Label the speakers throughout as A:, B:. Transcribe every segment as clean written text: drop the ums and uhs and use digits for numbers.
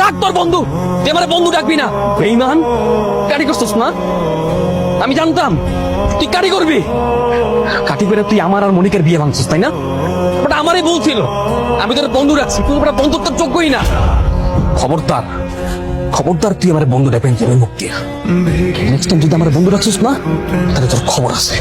A: ডাক তোর বন্ধু, তুই আমার বন্ধু ডাকবি না। বেঈমান, কাটি করছিস না? আমি জানতাম তুই কাটি করবি। কাটি করে তুই আমার আর মনিকের বিয়ে ভাঙছিস, তাই না? ওটা আমারই ভুল ছিল। আমি তোর বন্ধু রাখছি, তুই ওটা বন্ধুত্বের যোগ্যই না। খবরদার, খবরদার তুই আমার বন্ধু ডাকবেন তুমি মুখ দিয়ে। নেক্সট টাইম যদি আমার বন্ধু রাখছিস না, তাহলে তোর খবর আছে।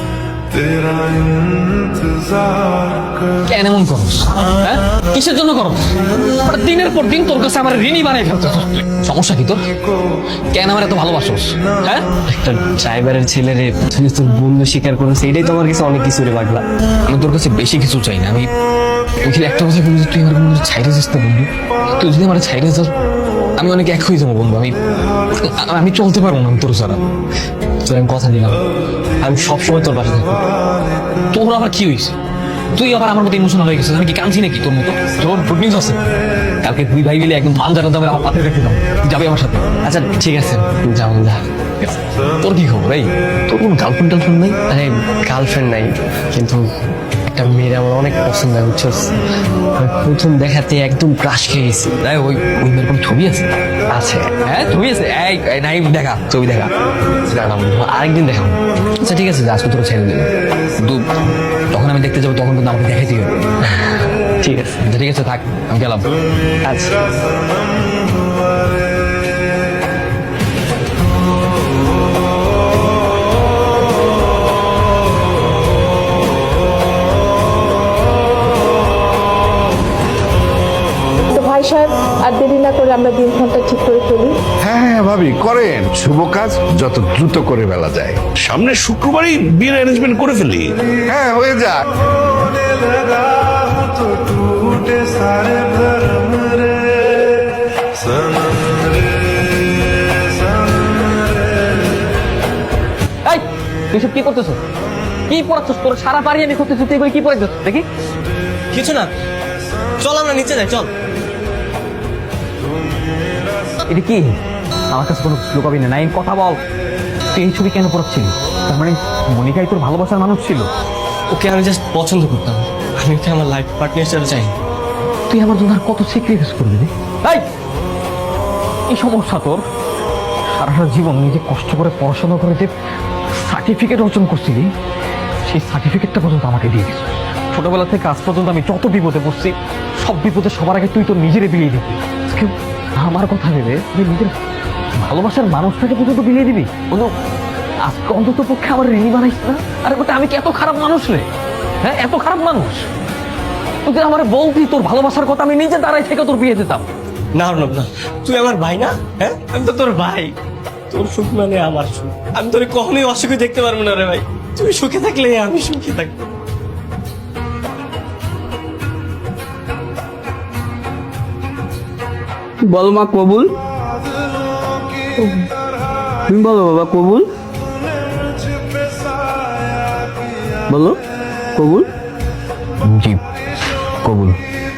A: কেন এমন করস? হ্যাঁ, কিসের জন্য করস? দিনের পর দিন তোর কাছে আমার ঋণী বানাই ফেলতেছ। সমস্যা কি তোর? কেন আমার এত ভালোবাসোস? হ্যাঁ,
B: একটা ড্রাইভারের ছেলে রে তুই তোর বন্ধু স্বীকার করেছে, এটাই তো আমার কাছে অনেক কিছু রে পাগলা।
A: আমি তোর কাছে বেশি কিছু চাই না। আমি একটা কথা বলি, তুই আমার বন্ধু ছাইরে যাস না বন্ধু। তুই যদি আমার ছাইরে যাস, আমি অনেক এক হয়ে যাবো বন্ধু। আমি চলতে পারবো না তোর ছাড়া।
B: তোর আমি কথা দিলাম, আমি সবসময় তোর পাশে থাকবো।
A: তোর আবার কি হয়েছে? তুই আবার আমার মতো ইমোশনাল হয়ে গেছিস। আমি কি কাঁদছি নাকি তোর মতো? তোর গুড নিউজ আছে, কালকে দুই ভাই মিলে একদম ধান জানাতে হবে, আমার পাতে রেখে দাও। যাবে আমার সাথে?
B: আচ্ছা ঠিক আছে, যাও যা।
A: তোর কি খবর? এই তোর কোনো গার্লফ্রেন্ড টার্লফ্রেন্ড নাই?
B: আরে গার্লফ্রেন্ড নাই, কিন্তু একটা মেয়ের আমার অনেক পছন্দ হয় বুঝছস। আমি প্রথম দেখাতে একদম ক্রাশ খেয়ে গেছি।
A: ওই ওই মেয়ের কোনো ছবি আছে?
B: আছে।
A: হ্যাঁ, ছবি আছে? এই নাই, দেখা ছবি, দেখা।
B: না না বন্ধু, আরেকদিন দেখাবো।
A: আচ্ছা ঠিক আছে, আজকে তোর ছেড়ে দেবো। কিন্তু যখন আমি দেখতে যাবো তখন কিন্তু আমাকে দেখাইতে হবে।
B: ঠিক আছে।
A: আচ্ছা ঠিক আছে, থাক, আমি গেলাম।
B: আচ্ছা।
C: ভাই সাহেব, আর দেরি না করে আমরা দিনক্ষণটা ঠিক করে ফেলি।
D: হ্যাঁ হ্যাঁ ভাবি করেন, শুভ কাজ যত দ্রুত করে ফেলা যায়।
E: সামনে শুক্রবারই বিয়ের অ্যারেঞ্জমেন্ট করে ফেলি।
D: হ্যাঁ হয়ে যাক।
A: এই তুই সব কি করতেছ? কি পড়াচ্ছিস? তোর সারা বাড়ি আমি করতেছি, তুই এগুলো কি পড়াচ্ছিস? দেখি
B: কিছু না, চল আমরা নিচে যাই, চল।
A: এটা কি? আমার কাছে কোনো লুকাবি না, নাই কথা বল। তুই এই ছবি কেন পড়াচ্ছিলি? তার মানে মনিকাই তোর ভালোবাসার মানুষ ছিল?
B: ওকে আমি জাস্ট পছন্দ করতাম, আমি ওকে আমার লাইফ পার্টনার হিসেবে চাই।
A: তুই আমার জন্য আর কত স্যাক্রিফাইস করবি রে? এই সমস্যা তোর? সারাটা জীবন নিজে কষ্ট করে পড়াশোনা করে যে সার্টিফিকেট অর্জন করছিলি, সেই সার্টিফিকেটটা পর্যন্ত আমাকে দিয়ে দিস। ছোটবেলা থেকে আজ পর্যন্ত আমি যত বিপদে পড়ছি, সব বিপদে সবার আগে তুই তোর নিজেরে বিলিয়ে দিবি। আজকে আমার কথা ভেবে তুই নিজের ভালোবাসার মানুষটাকে পর্যন্ত বিলিয়ে দিবি? বলো, আজকে অন্তত পক্ষে আমার ঋণী বানাইস না? আরে বেটা, আমি কি এত খারাপ মানুষ রে? হ্যাঁ, এত খারাপ মানুষ? তুই আমার বলতি তোর ভালোবাসার কথা, আমি নিজে দাঁড়াই থেকে তোর বিয়ে দিতাম।
B: না অর্ণব না, তুই আমার ভাই না? হ্যাঁ, আমি তো তোর ভাই। তোর সুখ মানে আমার সুখ। আমি তোর কখনোই অসুখে দেখতে পারবো না রে ভাই। তুই সুখে থাকলে আমি সুখে থাকবো।
F: বলো মা কবুল। তুমি বলো বাবা কবুল। বলো কবুল।
A: জি কবুল।